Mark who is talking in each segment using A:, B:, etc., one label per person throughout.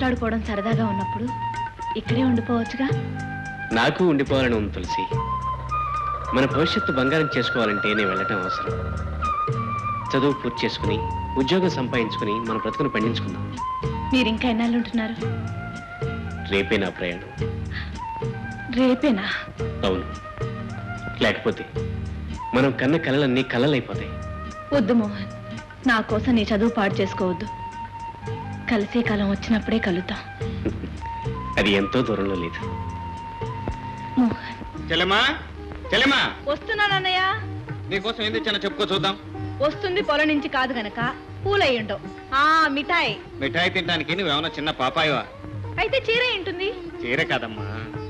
A: మాట్లాడుకోవడం సరదాగా ఉన్నప్పుడు ఇక్కడే ఉండిపోవచ్చుగా.
B: నాకు ఉండిపోవాలని ఉంది తులసి. మన భవిష్యత్తు బంగారం చేసుకోవాలంటే నేను వెళ్ళటం అవసరం. చదువు పూర్తి చేసుకుని ఉద్యోగం సంపాదించుకుని మన బ్రతుకును పండించుకుందాం.
A: మీరు ఇంకా ఎన్నాళ్ళు ఉంటున్నారు?
B: రేపే నా ప్రయాణం.
A: రేపేనా?
B: అవును, లేకపోతే మనం కన్న కలలన్నీ కలలైపోతాయి.
A: వద్దు మోహన్, నా కోసం నీ చదువు పాడు చేసుకోవద్దు. కలిసే కాలం వచ్చినప్పుడే కలుద్దాం.
B: అది ఎంతో దూరంలో లేదు.
A: మోహన్.
C: చెల్లెమ్మా, చెల్లెమ్మా,
A: వస్తున్నానన్నయ్య.
C: నీకోసం ఏం తెచ్చానో చెప్పుకో చూద్దాం.
A: వస్తుంది పొలం నుంచి కాదు గనక పూలయ్యుండవు. మిఠాయి.
C: మిఠాయి తినడానికి నువ్వేమన్నా చిన్న పాపాయవా?
A: అయితే చీర ఏంటుంది?
C: చీర కాదమ్మా.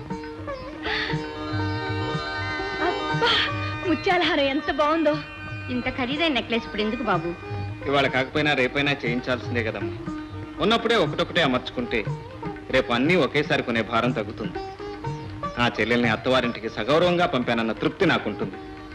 A: అబ్బా, ముత్యాలహారం ఎంత బాగుందో.
D: ఇంత ఖరీదైన నెక్లెస్ ఇప్పుడు ఎందుకు బాబు?
C: ఇవాళ కాకపోయినా రేపైనా చేయించాల్సిందే కదమ్మా. ఉన్నప్పుడే ఒకటొకటే అమర్చుకుంటే రేపు అన్నీ ఒకేసారి కొనే భారం తగ్గుతుంది. ఆ చెల్లెల్ని అత్తవారింటికి సగౌరవంగా పంపానన్న తృప్తి నాకుంటుంది.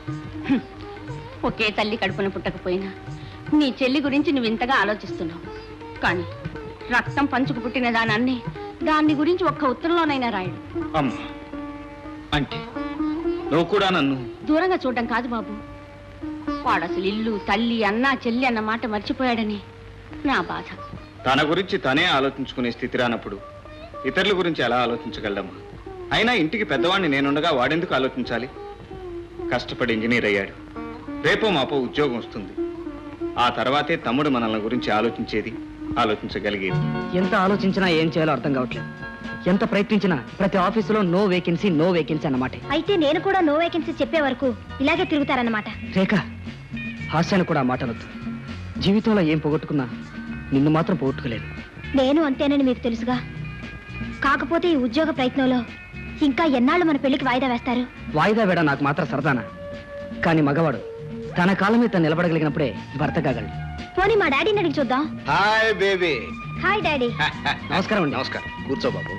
D: ఒకే తల్లి కడుపున పుట్టకపోయినా నీ చెల్లి గురించి నువ్వు ఇంతగా ఆలోచిస్తున్నావు. కానీ రక్తం పంచుకు పుట్టిన దానాన్ని దాన్ని గురించి ఒక్క ఉత్తరంలోనైనా రాయడు.
C: అమ్మా, అంటే నువ్వు కూడా నన్ను
D: దూరంగా చూడడం కాదు బాబు. వాడు అసలు ఇల్లు, తల్లి, అన్న, చెల్లి అన్న మాట మర్చిపోయాడని నా బాధ.
C: తన గురించి తనే ఆలోచించుకునే స్థితి రానప్పుడు ఇతరుల గురించి ఎలా ఆలోచించగలమ్మా? అయినా ఇంటికి పెద్దవాడిని నేనుండగా వాడెందుకు ఆలోచించాలి? కష్టపడి ఇంజనీర్ అయ్యాడు. రేపో మాపో ఉద్యోగం వస్తుంది. ఆ తర్వాతే తమ్ముడు మనల్ని గురించి ఆలోచించేది, ఆలోచించగలిగేది.
E: ఎంత ఆలోచించినా ఏం చేయాలో అర్థం కావట్లేదు. ఎంత ప్రయత్నించినా ప్రతి ఆఫీసులో నో వేకెన్సీ అన్నమాట.
F: అయితే నేను కూడా నో వేకెన్సీ చెప్పే వరకు ఇలాగే తిరుగుతారన్నమాట.
E: రేఖ, హాస్యాన్ని కూడా మాటలొద్దు. జీవితంలో ఏం పోగొట్టుకున్నా నిన్ను మాత్రం పోగొట్టుకోలేదు.
F: నేను అంతేనని మీకు తెలుసుగా. కాకపోతే ఈ ఉద్యోగ ప్రయత్నంలో ఇంకా ఎన్నాళ్ళు మన పెళ్లికి వాయిదా వేస్తారు?
E: వాయిదా వేడ నాకు మాత్రం సరదానా? కానీ మగవాడు తన కాలం మీద నిలబడగలిగినప్పుడే భర్త కాగలడు.
F: పోనీ మా డాడీని అడిగి చూద్దాం.
C: Hi baby.
F: Hi daddy.
E: నమస్కారం అండి.
G: నమస్కారం. కూర్చో బాబు.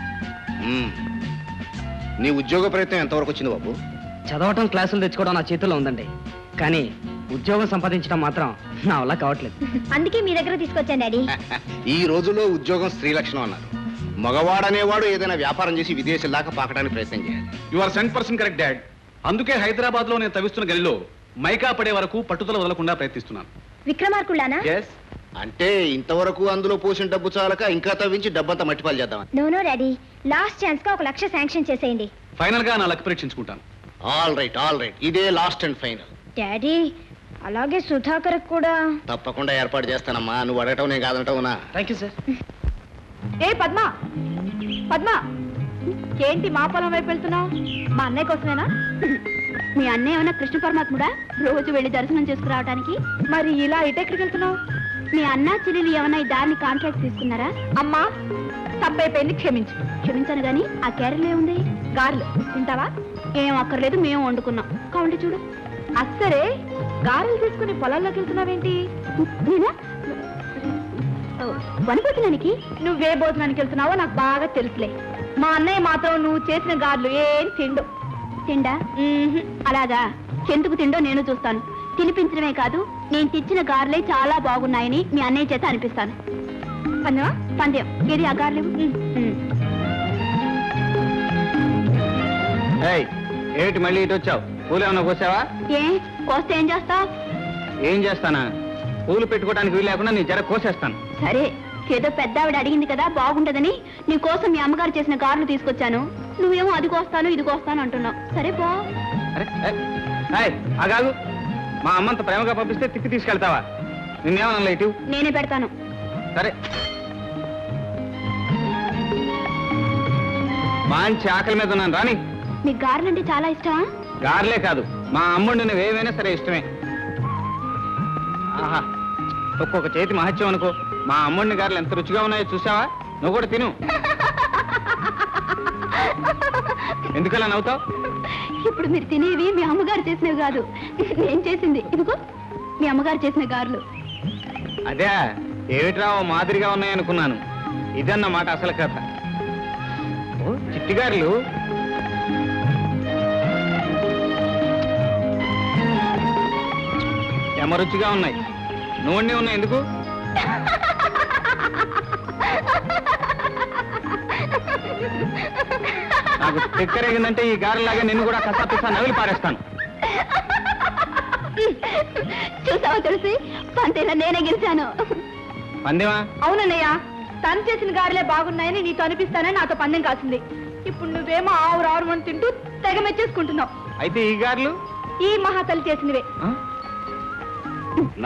G: నీ ఉద్యోగ ప్రయత్నం ఎంతవరకు వచ్చింది బాబు?
E: చదవటం, క్లాసులు తెచ్చుకోవడం నా చేతుల్లో ఉందండి. కానీ ఉద్యోగం సంపాదించడం మాత్రం నా వల్ల కావట్లేదు.
F: అందుకే మీ దగ్గర తీసుకొచ్చాను డాడీ.
G: ఈ రోజుల్లో ఉద్యోగం స్త్రీ లక్షణం అన్నారు. మగవాడనేవాడు ఏదైనా వ్యాపారం చేసి విదేశాల దాకా పాకడానికి ప్రయత్నం చేయాలి.
H: You are 100% correct dad. అందుకే హైదరాబాద్ లో నేను తవ్విస్తున్న గలిలో మైకా పడే వరకు పట్టుదల వదలకుండా ప్రయత్నిస్తున్నాను.
F: విక్రమార్కుళ్ళానా?
G: అంటే ఇంతవరకు అందులో పోసిన డబ్బు చాలక ఇంకా తవ్వించి డబ్బంతా మట్టిపాలు చేద్దాం.
F: నో డాడీ, లాస్ట్ ఛాన్స్ గా 1 లక్ష శాంక్షన్ చేసేయండి.
H: ఫైనల్ గా నా లక్ పరీక్షించుకుంటాను.
G: ఆల్ రైట్, ఇదే లాస్ట్ అండ్ ఫైనల్.
F: డాడీ, అలాగే సుధాకర్ కూడా
G: తప్పకుండా ఏర్పాటు చేస్తానమ్మా. నువ్వు అడగటం నేను కాదంటావునా?
E: Thank you sir.
A: ఏ పద్మ, పద్మ, ఏంటి మా పొలం వైపు వెళ్తున్నావు? మా అన్నయ్య కోసమేనా?
D: మీ అన్నయ్య ఏమైనా కృష్ణ పరమాత్ముడా రోజు వెళ్ళి దర్శనం చేసుకురావడానికి?
A: మరి ఇలా ఇటెక్కడికి వెళ్తున్నావు?
D: మీ అన్న చెల్లెలు ఏమైనా ఈ దారిని కాంట్రాక్ట్ తీసుకున్నారా?
A: అమ్మా, తప్పైపోయింది, క్షమించు.
D: క్షమించాను గాని ఆ క్యారెల్ ఏముంది?
A: గారెలు తింటావా?
D: ఏం అక్కర్లేదు, మేము వండుకున్నాం. కావండి చూడు.
A: అస్సరే, గారెలు తీసుకుని పొలాల్లోకి వెళ్తున్నావేంటి?
D: నేనా వనభోజనానికి?
A: నువ్వే భోజనానికి వెళ్తున్నావో నాకు బాగా తెలుసులే. మా అన్నయ్య మాత్రం నువ్వు చేసిన గారెలు ఏం తిండు.
D: తిండా? అలాగా, ఎందుకు తిండో నేను చూస్తాను. తినిపించడమే కాదు, నేను తెచ్చిన గారెలే చాలా బాగున్నాయని మీ అన్నయ్య చేత అనిపిస్తాను.
A: పందెమా?
D: పందెం. ఏది ఆ గారెలు?
C: ఏమిటి మళ్ళీ ఇటు వచ్చావు? పూలు ఏమన్నా కోసావా?
D: ఏ కోస్తే ఏం చేస్తావు?
C: ఏం చేస్తానా? పూలు పెట్టుకోవడానికి వీలు లేకుండా నీ జర కోసేస్తాను.
D: సరే, ఏదో పెద్ద ఆవిడ అడిగింది కదా బాగుంటదని నీ కోసం మీ అమ్మగారు చేసిన గారెలు తీసుకొచ్చాను. నువ్వేమో అది కోస్తాను ఇది కోస్తాను అంటున్నావు. సరే పో.
C: అగాగు, మా అమ్మంత ప్రేమగా పంపిస్తే తిప్పి తీసుకెళ్తావా? నిన్నేమన్నా ఇటు?
D: నేనే పెడతాను.
C: సరే. మంచి ఆకలి మీద ఉన్నాను, రాని.
D: మీకు గారెలు అంటే చాలా ఇష్టమా?
C: గారెలే కాదు, మా అమ్ముడు నువ్వు ఏమైనా సరే ఇష్టమే. ఆహా, ఒక్కొక్క చేతి మహత్యం అనుకో. మా అమ్ముడిని గారెలు ఎంత రుచిగా ఉన్నాయో చూసావా? నువ్వు కూడా తిను. ఎందుకలా నవ్వుతావు?
D: ఇప్పుడు మీరు తినేవి మీ అమ్మగారు చేసినవి కాదు, నేను చేసింది. ఇదిగో మీ అమ్మగారు చేసిన గారెలు.
C: అదే, ఏమిట్రా మాదిరిగా ఉన్నాయనుకున్నాను. ఇదన్నమాట అసలు కథ. చిట్టి గారెలు ఎమరుచిగా ఉన్నాయి. నూనె ఉన్నాయి ఎందుకు? నాకు తిక్కరేగిందంటే ఈ గారెలాగా నిన్ను కూడా కసాపిస్తా నవిలి పారేస్తాను.
D: చూసావా తులసి, పంతేలా నేనే గెలిచాను.
C: పందేవా?
A: అవునన్నయ్య, తను చేసిన గారెలే బాగున్నాయని నీతో అనిపిస్తానని నాతో పందెం కాసింది. ఇప్పుడు నువ్వేమో ఆవురు అని తింటూ తెగ మెచ్చేసుకుంటున్నావు.
C: అయితే ఈ గారెలు
A: ఈ మహాతల్లి చేసినవే.